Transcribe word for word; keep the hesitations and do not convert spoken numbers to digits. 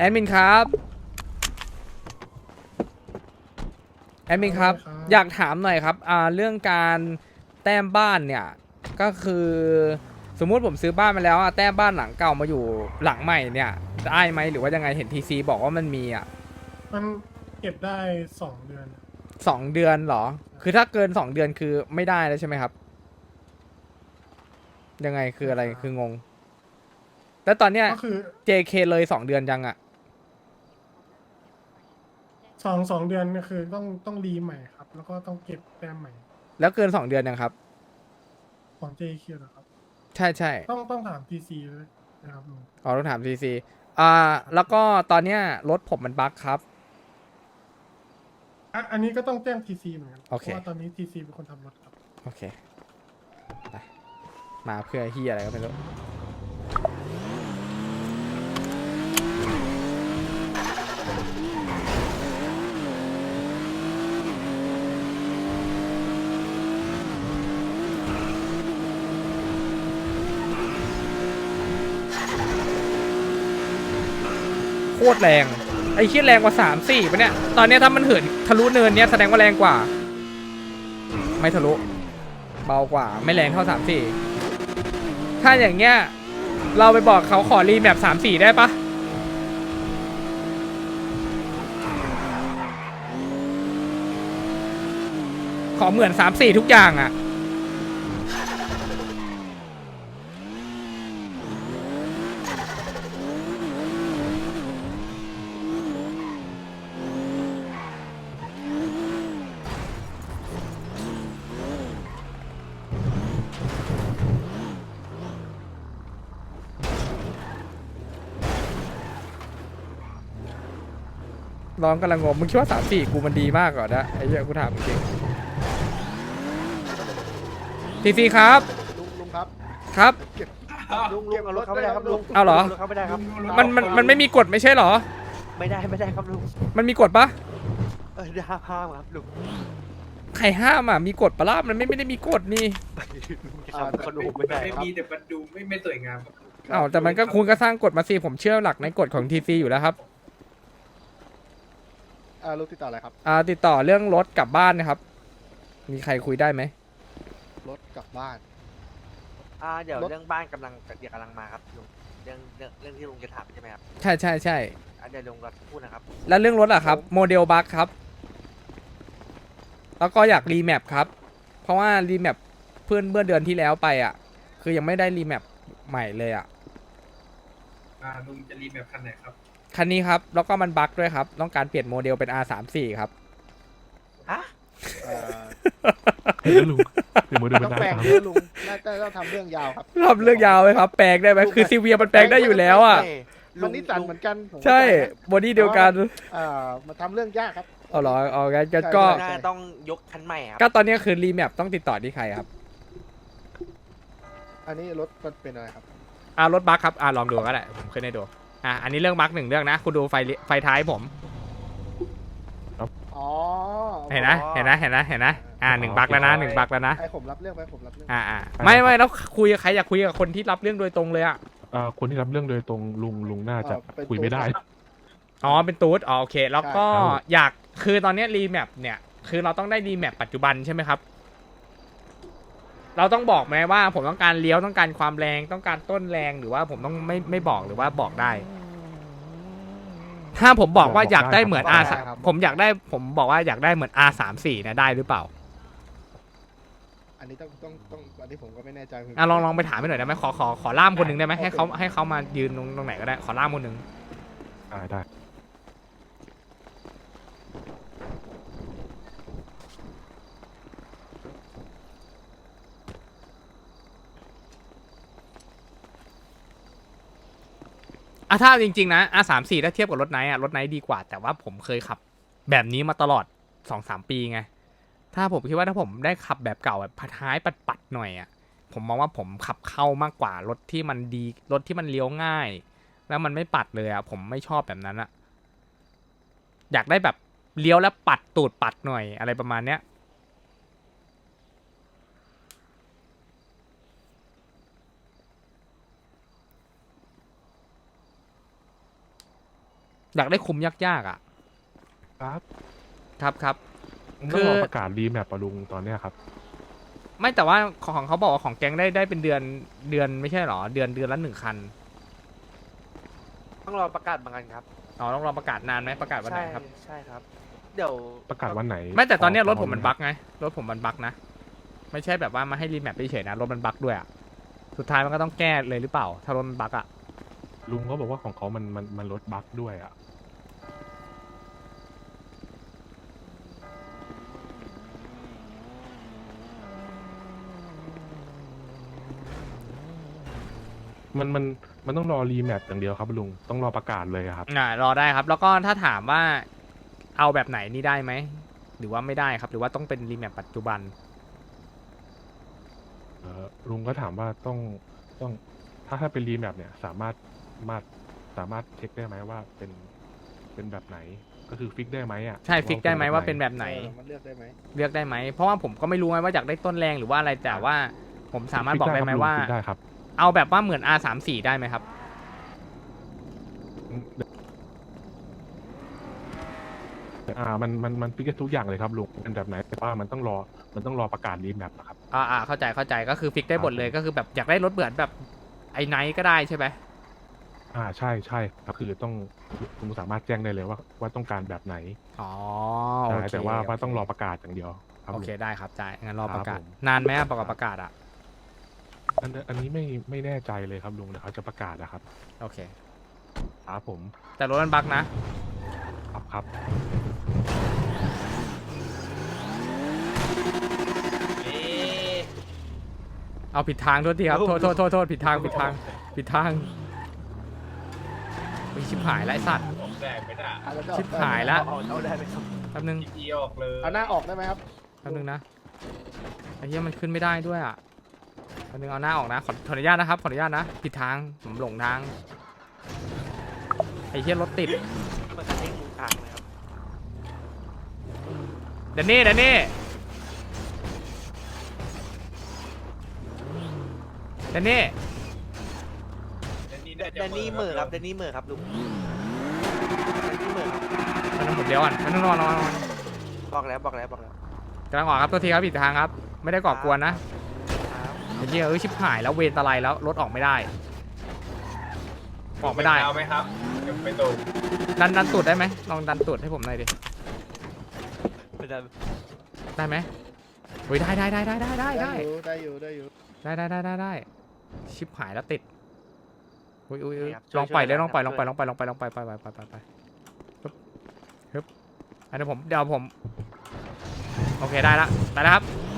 ดมินครับแอดมินครับอยากถามหน่อยครับอ่าเรื่องการแต้มบ้านเนี่ยก็คือสมมุติผมซื้อบ้านมาแล้วอะแต้มบ้านหลังเก่ามาอยู่หลังใหม่เนี่ยได้ไหมหรือว่ายังไงเห็นทีซีบอกว่ามันมีอ่ะมันเก็บได้สองเดือนสองเดือนเหรอคือถ้าเกินสองเดือนคือไม่ได้แล้วใช่ไหมครับยังไงคืออะไรคืองงแล้วตอนเนี้ยก็คือเจ เค เลยสองเดือนยังอ่ะสองสองเดือนก็คือต้องต้องรีใหม่ครับ แล้วก็ต้องเก็บแต้มใหม่แล้วเกินสองเดือนยังครับของ เจ คิว นะครับใช่ใช่ต้องต้องถาม ที ซี เลยนะครับลุงอ๋อต้องถามทีซีอ่าแล้วก็ตอนเนี้ยรถผมมันบั๊กครับอ่ะอันนี้ก็ต้องแจ้ง ที ซี เหมือนกันโอเพเคราะว่าตอนนี้ ที ซี เป็นคนทำรถครับโอเคไปมาเพื่อเฮียอะไรก็ไม่รู้โคตรแรงไอ้เฮียแรงกว่าสามสี่ปะเนี่ยตอนเนี้ยถ้ามันเหินทะลุเนินเนี้ยแสดงว่าแรงกว่าไม่ทะลุเบากว่าไม่แรงเท่าสามสี่ถ้าอย่างเงี้ยเราไปบอกเขาขอรีแมปสามสี่ได้ปะขอเหมือนสามสี่ทุกอย่างอะร้องกำลังงงมึงคิดว่าสามสี่กูมันดีมากก่อนนะไอ้เหี้ยกูถามจริงทีซีครับลุงลุงครับครับลุงลุงเอารถเข้าไม่ได้ครับลุงเอาเหรอรถเข้าไม่ได้ครับมันมันมันไม่มีกฎไม่ใช่เหรอไม่ได้ไม่ได้ครับลุงมันมีกฎปะเออห้ามห้ามครับลุงใครห้ามอ่ะมีกฎปะล่ะมันไม่ไม่ได้มีกฎนี่ลุงจะทำขนมไม่ได้ไม่ครับมีแต่มันดูไม่ไม่สวยงามครับอ้าวแต่มันก็คุณก็สร้างกฎมาสิผมเชื่อหลักในกฎของทีซีอยู่แล้วครับอ่าลุงติดต่ออะไรครับอ่าติดต่อเรื่องรถกลับบ้านนะครับ มีใครคุยได้ไหมรถกลับบ้านอ่าเดี๋ยวรถเรื่องบ้านกำลังเดี๋ยวกำลังมาครับลุงเรื่องเรื่องเรื่องที่ลุงจะถามใช่ไหมครับใช่ใช่ใช่อ่ะเดี๋ยวลุงรอสักครู่นะครับแล้วเรื่องรถอะครับโมเดลบัคครับแล้วก็อยากรีแมปครับเพราะว่ารีแมปเพื่อนเมื่อเดือนที่แล้วไปอ่ะคือยังไม่ได้รีแมปใหม่เลยอ่ะอ่าลุงจะรีแมปคันไหนครับคันนี้ครับแล้วก็มันบั๊กด้วยครับต้องการเปลี่ยนโมเดลเป็น อาร์ สามสิบสี่ ครับฮะเอ่อเดี๋ยวลุงเดี๋ยวมือเดินต้ไปองได้แปลงครับเยอะลุงน่าจะต้องทำเรื่องยาวครับทำเรื่องยาวไหมครับแปลงได้ไหมคือซีเวียมันแปลงได้อยู่แล้วอ่ะมันนิสสันเหมือนกันผมใช่เข้าใจนะบอดี้เดียวกันเอ่อมาทำเรื่องยากครับเอาเหรอเอางั้นก็ใช่ก็ใช่น่าจะต้องยกคันใหม่ครับก็ตอนนี้คือรีแมปต้องติดต่อที่ใครครับอันนี้รถมันเป็นอะไรครับอ่ารถบั๊กครับอ่าลองดูก็ได้ผมขึ้นให้ดูอ่ะอันนี้เรื่องบั๊กหนึ่งเรื่องนะคุณดูไฟไฟท้ายผมอ๋อเห็นนะเห็นนะเห็นนะเห็นนะอ่าหนึ่งบั๊กแล้วนะหนึ่งบั๊กแล้วนะไอผมรับเรื่องไปผมรับเรื่องอ่าอ่าไม่ไม่แล้วคุยกับใครอยากคุยกับคนที่รับเรื่องโดยตรงเลยอ่ะเอ่อคนที่รับเรื่องโดยตรงลุงลุงน่าจะคุยไม่ได้อ๋อเป็นตูดอ๋อโอเค แล้วก็ใช่ครับอยากคือตอนนี้รีแมปเนี่ยคือเราต้องได้รีแมปปัจจุบันใช่ไหมครับ เราต้องบอกไหมว่าผมต้องการเลี้ยวต้องการความแรงต้องการต้นแรงหรือว่าผมต้องไม่ไม่บอกหรือว่าบอกได้ ถ้าผมบอกว่าอยากได้เหมือน R ผมอยากได้ผมบอกว่าอยากได้เหมือน อาร์ สามสิบสี่ เนี่ยได้หรือเปล่าอันนี้ต้องต้องต้องอันนี้ผมก็ไม่แน่ใจอ่ะลองลองไปถามไปหน่อยได้ไหมขอขอขอล่ามคนหนึ่งได้ไหมให้เขาให้เขามายืนตรงตรงไหนก็ได้ขอล่ามคนหนึ่งได้ได้อ่ะถ้าจริงๆนะ อาร์ สามสิบสี่ ถ้าเทียบกับรถไนท์อ่ะรถไนท์ดีกว่าแต่ว่าผมเคยขับแบบนี้มาตลอด สองสาม ปีไงถ้าผมคิดว่าถ้าผมได้ขับแบบเก่าแบบท้ายปัดๆหน่อยอ่ะผมมองว่าผมขับเข้ามากกว่ารถที่มันดีรถที่มันเลี้ยวง่าย แล้วมันไม่ปัดเลยอ่ะผมไม่ชอบแบบนั้นอ่ะอยากได้แบบเลี้ยวแล้วปัดตูดปัดหน่อยอะไรประมาณเนี้ยอยากได้คุมยากๆอ่ะครับครับครับ คืต้องอรอประกาศรีแมปปะลุงตอนเนี้ยครับไม่แต่ว่าของเขาบอกว่าของแก๊งได้ได้เป็นเดือนเดือนไม่ใช่หรอเดือนเดือนละหนึ่งคันต้องรอประกาศบางกันครับอ๋อต้องรอประกาศนานไหมประกาศวันไหใช่นครับใช่ครับ เดี๋ยวประกาศวันไหนไม่แต่ตอนเนี้ยพรถผมมันพบั๊กไงรถผมมันบั๊กนะ ไม่ใช่แบบว่ามาให้รีแมปเฉยๆนะรถมันบั๊กด้วยอ่ะสุดท้ายมันก็ต้องแก้เลยหรือเปล่า ถ้ารถมันบั๊กอ่ะลุงเขาบอกว่าของเขามันมันมันลดบั๊กด้วยอ่ะ มันมันมันต้องรอรีแมปอย่างเดียวครับลุงต้องรอประกาศเลยอะครับอ่ารอได้ครับ แล้วก็ถ้าถามว่าเอาแบบไหนนี่ได้ไหมหรือว่าไม่ได้ครับ หรือว่าต้องเป็นรีแมปปัจจุบันเออลุงก็ถามว่าต้องต้องถ้าถ้าเป็นรีแมปเนี่ยสามารถมาสามารถเช็คได้ไหมว่าเป็นเป็นแบบไหน ก็คือฟิกได้ไหมอ่ะใช่ฟิกได้ไหมว่าเป็นแบบไหนเออมันเลือกได้ไหมเลือกได้ไหมเพราะว่าผมก็ไม่รู้ไงว่าอยากได้ต้นแรงหรือว่าอะไรแต่ว่าผมสามารถบอกได้ไหมว่าฟิกได้ครับเอาแบบว่าเหมือน อาร์ สามสิบสี่ ได้ไหมครับลุงอ่ามันมันมันฟิกได้ทุกอย่างเลยครับลุงเป็นแบบไหนแต่ว่ามันต้องรอมันต้องรอประกาศรีแมปนะครับอ่าอ่าเข้าใจเข้าใจก็คือฟิกได้หมดเลยก็คือแบบอยากได้รถเบื่อแบบไอ้ไนท์ก็ได้ใช่ไหมอ่าใช่ใช่ครับคือต้องลุงสามารถแจ้งได้เลยว่าว่าต้องการแบบไหนอ๋อใช่โอเคแต่ว่าว่าโคต้องรอประกาศอย่างเดียวครับโอลุงเคได้ครับจ่ายงั้นรอประกาศครับผมนานไหมอะประกาศประกาศอ่ะอันอันนี้ไม่ไม่แน่ใจเลยครับลุงเดี๋ยวเขาจะประกาศนะครับโอเคครับผมแต่รถมันบั๊กนะครับครับเอาผิดทางโทษทีครับโทษโทษโทษโทษผิดทางผิดทางผิดทางไปชิบหายแล้วไอ้สัตว์ผมแดงไม่ได้อ่ะแล้วจะชิบหายละเอาเอาได้ไหมครับแป๊บนึงทีพีออกเลยเอาหน้าออกได้ไหมครับแป๊บนึงนะไอ้เหี้ยมันขึ้นไม่ได้ด้วยอ่ะแป๊บนึงเอาหน้าออกนะขอขออนุญาตนะครับขออนุญาตนะผิดทางผมหลงทางไอ้เหี้ยรถติดมันจะเด้งตรงกลางเลยครับเดนนี่เดนนี่เดนนี่เดนนี่น่าจะเดนนี่เหมือครับเดนนี่เหมือครับลุงเดนนี่เหมือครับมันต้องผมเดียวก่อนมันต้องนอนนอนนอนบอกแล้วบอกแล้วบอกแล้วกำลังออกครับตัวทีครับผิดทางครับ ไม่ได้ก่อกวนนะไอ้เหี้ยเอ้ยชิบหายแล้วเวรตะไลแล้วรถออกไม่ได้ ออกไม่ได้เอาไหมครับเดี๋ยวไปตรงดันดันตูดได้ไหมลองดันตูดให้ผมหน่อยดิไม่ได้ได้ไหมเฮ้ยได้ได้ได้ได้ได้ได้ได้อยู่ได้อยู่ได้อยู่ได้ได้ได้ได้ได้ชิบหายแล้วติดอุ้ยอุ้ยอุ้ยครับลองปล่อยเลยช่วยๆลองปล่อยลช่องวยปล่อยลองปล่อยลองปล่อยลองปล่อยไปไปไปไปไปฮึบฮึบอันนี้ผมเดี๋ยวผมโอเคได้ละได้แล้วครับ